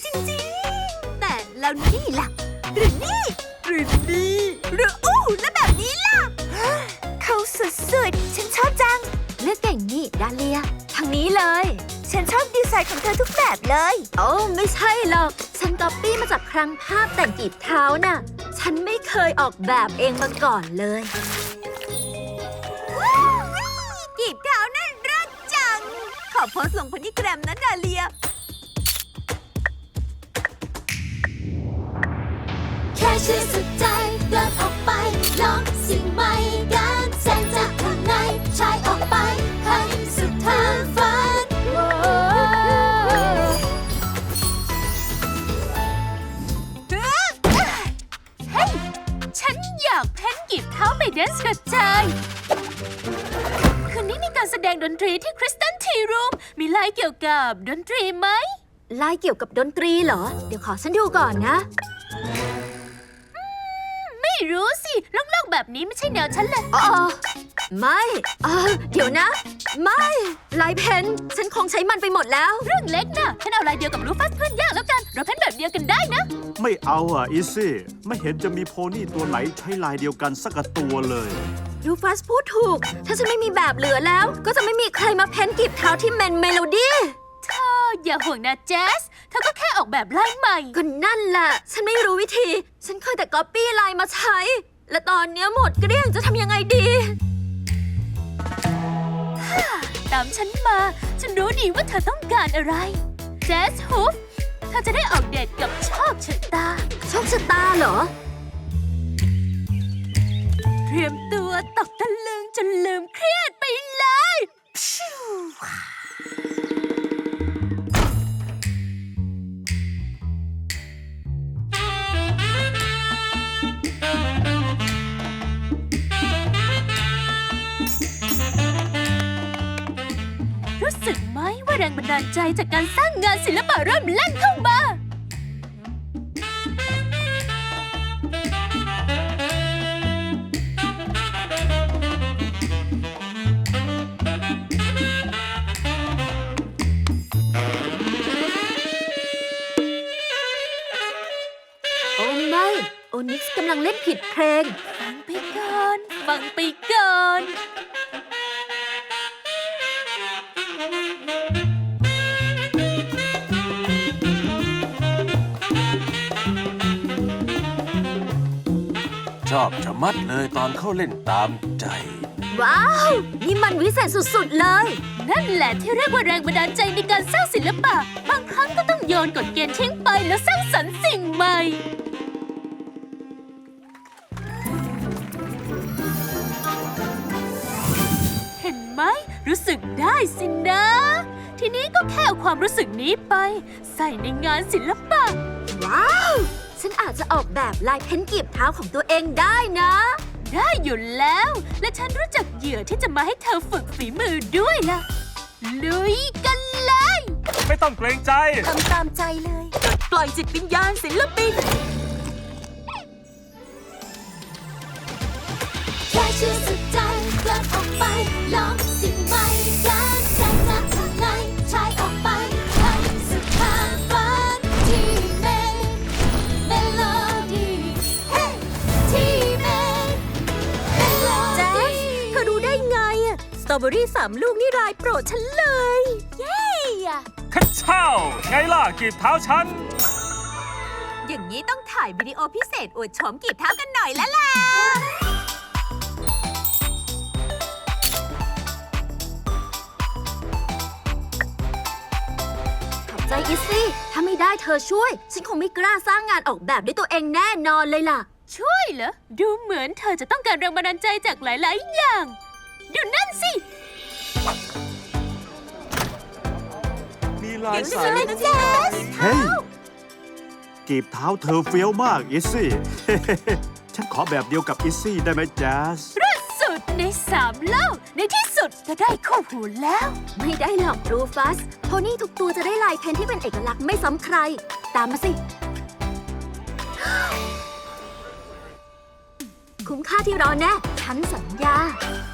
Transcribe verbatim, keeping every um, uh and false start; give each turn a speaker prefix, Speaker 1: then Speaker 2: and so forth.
Speaker 1: จริงๆแต่แล้วนี่ล่ะหรือนี่หรือนี่หรืออู้และแบบนี้ล่ะเขาสุดๆฉันชอบจังเลือกเก่งนี่ดาเลียทางนี้เลยฉันชอบดีไซน์ของเธอทุกแบบเลยโอ้ไม่ใช่หรอกฉันก๊อปปี้มาจากครั้งภาพแต่งกีบเท้าน่ะฉันไม่เคยออกแบบเองมาก่อนเลยกีบเท้านั่นรักจังขอโพสต์ลงพันธิแกรมนะดาเลีย
Speaker 2: แค่ชื่อสุดใจเดินออกไปลองสิ่งใหม่กันแสงจากข้างในชายออกไปให้สุดทางฝัน
Speaker 3: เฮ้ยฉันอยากเพ้นกีบเท้าไปแดนซ์กระจายคืนนี้มีการแสดงดนตรีที่คริสตันทีรูมมีลายเกี่ยวกับดนตรีไหม
Speaker 1: ลายเกี่ยวกับดนตรีเหรอเดี๋ยวขอฉันดูก่อนนะ
Speaker 3: ไม่รู้สิโล่งๆแบบนี้ไม่ใช่แนวฉันเลย
Speaker 1: อ๋อไม่เออเดี๋ยวนะไม่ลายเพ้นฉันคงใช้มันไปหมดแล้ว
Speaker 3: เรื่องเล็กนะฉันเอาลายเดียวกับรูฟัสเพื่อนยากแล้วกันเราเพ้นแบบเดียวกันได้นะ
Speaker 4: ไม่เอาอ่ะอีซี่ไม่เห็นจะมีโพนี่ตัวไหนใช้ลายเดียวกันสักตัวเลย
Speaker 1: รูฟัสพูดถูกถ้าฉันไม่มีแบบเหลือแล้วก็จะไม่มีใครมาเพ้นกีบเท้าที่เมนเมโลดี้
Speaker 3: เธออย่าห่วงนะแจสเธอก็แค่ออกแบบลายใหม่
Speaker 1: ก็นั่นแหละฉันไม่รู้วิธีฉันเคยแต่ก๊อปปี้ลายมาใช้และตอนนี้หมดเกลี้ยงจะทำยังไงดี
Speaker 3: ตามฉันมาฉันรู้ดีว่าเธอต้องการอะไรแจสฮุฟเธอจะได้ออกเดทกับโชคชะตา
Speaker 1: โชคชะตาเหรอ
Speaker 3: เตรียมตัวตกตะลึงจนลืมเครียดไปเลยรู้สึกไหมว่าแรงบันดาลใจจากการสร้างงานศิลปะเริ่มแล่นเข้ามา
Speaker 1: โอ้ไม่โอนิกซ์กำลังเล่นผิดเพลง
Speaker 3: ฟังไปก่อนฟังไปก่อน
Speaker 5: ชอบชะมัดเลยตอนเขาเล่นตามใจ
Speaker 1: ว้าวนี่มันวิเศษสุดๆเลย
Speaker 3: นั่นแหละที่เรียกว่าแรงบันดาลใจในการสร้างศิลปะบางครั้งก็ต้องโยนกฎเกณฑ์ทิ้งไปแล้วสร้างสรรค์สิ่งใหม่เห็นไหมรู้สึกได้สินะทีนี้ก็แค่เอาความรู้สึกนี้ไปใส่ในงานศิลปะ
Speaker 1: ว้าวฉันอาจจะออกแบบลายเพ้นกีบเท้าของตัวเองได้นะ
Speaker 3: ได้อยู่แล้วและฉันรู้จักเหยื่อที่จะมาให้เธอฝึกฝีมือด้วยล่ะลุยกันเลย
Speaker 5: ไม่ต้องเกรงใจ
Speaker 1: ทำตามใจเลยปล่อยจิตวิญญาณศิลปิน
Speaker 2: แค่ชื่อสุดใจเดินออกไปลองสิ่งใหม่กันแสงจากข้างในชายออกไปให้สุดทางฝันที่เมนเมโลดี้เฮ้ที่เมนเมโลดี้
Speaker 1: เธอรู้ได้ไงอะสตรอเบอรี่สามลูกนี่ลายโปรดฉันเลย
Speaker 2: เย้
Speaker 5: คัดเช่าไงล่ะกีบเท้าฉัน
Speaker 1: อย่างนี้ต้องถ่ายวิดีโอพิเศษอวดโฉมกีบเท้ากันหน่อยแล้วล่ะใจอีซี่ถ้าไม่ได้เธอช่วยฉันคงไม่กล้าสร้างงานออกแบบด้วยตัวเองแน่นอนเลยล่ะ
Speaker 3: ช่วยเหรอดูเหมือนเธอจะต้องการแรงบันดาลใจจากหลายๆอย่างดูนั่นสิ
Speaker 5: มีลายสาย
Speaker 4: เฮ้ยกีบเท้าเธอเฟี้ยวมากอีซี่ ฉันขอแบบเดียวกับอีซี่ได้ไหมแจ๊ส
Speaker 3: รัดสุดในสามเล่าในที่สุดก็ได้คู่หูแล้ว
Speaker 1: ไม่ได้หรอกรูฟัสโพนี่ทุกตัวจะได้ลายเพ้นที่เป็นเอกลักษณ์ไม่ซ้ำใครตามมาสิ คุ้มค่าที่รอแน่ฉันสัญญา